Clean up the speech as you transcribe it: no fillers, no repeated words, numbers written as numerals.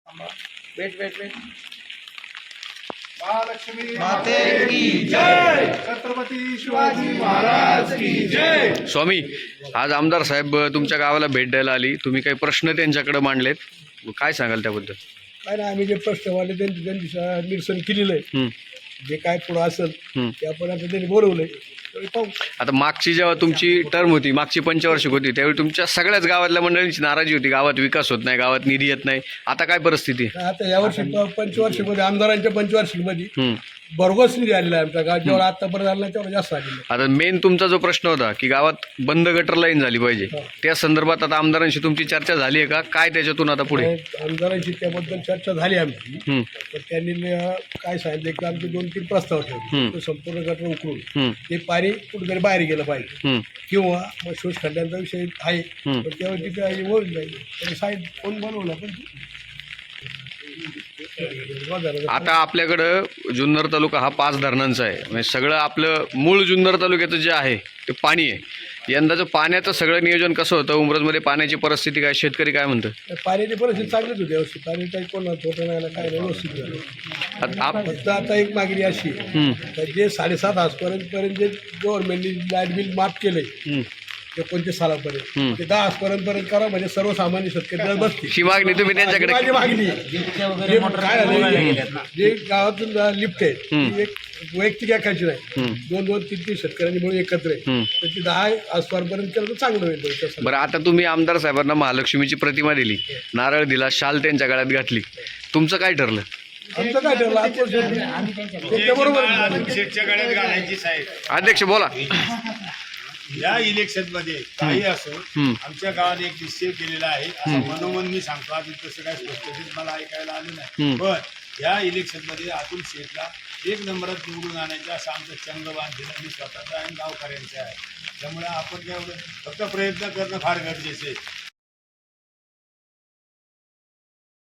Weight weight weight Mahalakshmi माते की जय. छत्रपती शिवाजी महाराज की जय. स्वामी, आज आमदार साहेब तुमच्या गावाला भेट द्यायला आली. तुम्ही काही प्रश्न त्यांच्याकडे मांडलेत, काय सांगाल त्याबद्दल? काय ना, आम्ही जे प्रश्न वाले त्यांची निरसन केलेलं आहे. हं, जे काय पुढं असेल हं. ते आपण आता त्यांनी बोलवलंय, त्यावेळी पाहू. आता मागची जेव्हा तुमची टर्म होती, मागची पंचवार्षिक होती, त्यावेळी तुमच्या सगळ्याच गावातल्या मंडळींची नाराजी होती, गावात विकास होत नाही, गावात निधी येत नाही. आता काय परिस्थिती आहे? आता यावर्षी पंचवार्षिकमध्ये आमदारांच्या पंचवार्षिकमध्ये हं. भरघोस निधी आलेला आहे आमच्या गावात. जेवढा आतापर्यंत आला तेवढा जास्त आलेला आहे. आता मेन तुमचा जो प्रश्न होता की गावात बंद गटर लाईन झाली पाहिजे, त्या संदर्भात आता आमदारांशी तुमची चर्चा झाली आहे का? काय त्याच्यातून आता पुढे? आमदारांची त्याबद्दल चर्चा झाली आमची. हं, तर त्यांनी काय सांगितलं की आमचे 2-3 प्रस्ताव ठेवले. हं. तो संपूर्ण गटर उकरून हं, ते पाणी कुठेतरी बाहेर गेलं पाहिजे, हं, किंवा मग शोष खड्ड्यांचा विषय आहे. हं. पण त्यावर तिथे होऊन जाईल. त्यांनी साईड कोण बनवला पण आता आपल्याकडं जुन्नर तालुका हा 5 धरणांचा आहे. म्हणजे सगळं आपलं मूळ जुन्नर तालुक्याचं जे आहे ते पाणी आहे. यंदाचं पाण्याचं सगळं नियोजन कसं होतं? उमरजमध्ये पाण्याची परिस्थिती काय, शेतकरी काय म्हणतं? पाण्याची परिस्थिती चांगलीच होती यावर्षी. पाणी काही कोण होतं नाही, काय नाही, व्यवस्थित झालं. फक्त आता एक मागणी अशी आहे, हं, तर जे 7.5 आजपर्यंत जे गव्हर्नमेंटने लाईट बिल माफ केलंय हं. 29 सालापर्यंत, हं. ते 10 आजपर्यंत करा, म्हणजे सर्वसामान्य शेतकरी बसतील. ही मागणी तुम्ही त्यांच्याकडे माझी मागणी आहे. जे काय झालं, जे गावातून लिफ्ट आहे ती एक वैयक्तिक एकाची नाही, हं. 2-2-3-3 शेतकऱ्यांनी मिळून एकत्र आहे. हं. तर ती 10 आजपर्यंत केलं तर चांगलं होईल त्याच्यासाठी. बरं, आता तुम्ही आमदार साहेबांना महालक्ष्मीची प्रतिमा दिली, नारळ दिला, शाल त्यांच्या गळ्यात घातली, तुमचं काय ठरलं? आमचं काय ठरलं त्याच्याबरोबर शेतच्या गळ्यात घालायची साहेब. अध्यक्ष बोला. या इलेक्शन मध्ये काही असो, हं. आमच्या गावाने एक निश्चय केलेला आहे. असं मनोमन मी सांगतो, अजून तसं काय स्पष्टीत मला ऐकायला आलं नाही. हं. पण या इलेक्शन मध्ये अतुल शेठला 1 नंबरात निवडून आणायचं असं आमचं चंग बांधलेलं मी स्वतःचा आणि गावकऱ्यांचं आहे. त्यामुळे आपण काय एवढं फक्त प्रयत्न करणं फार गरजेचं आहे.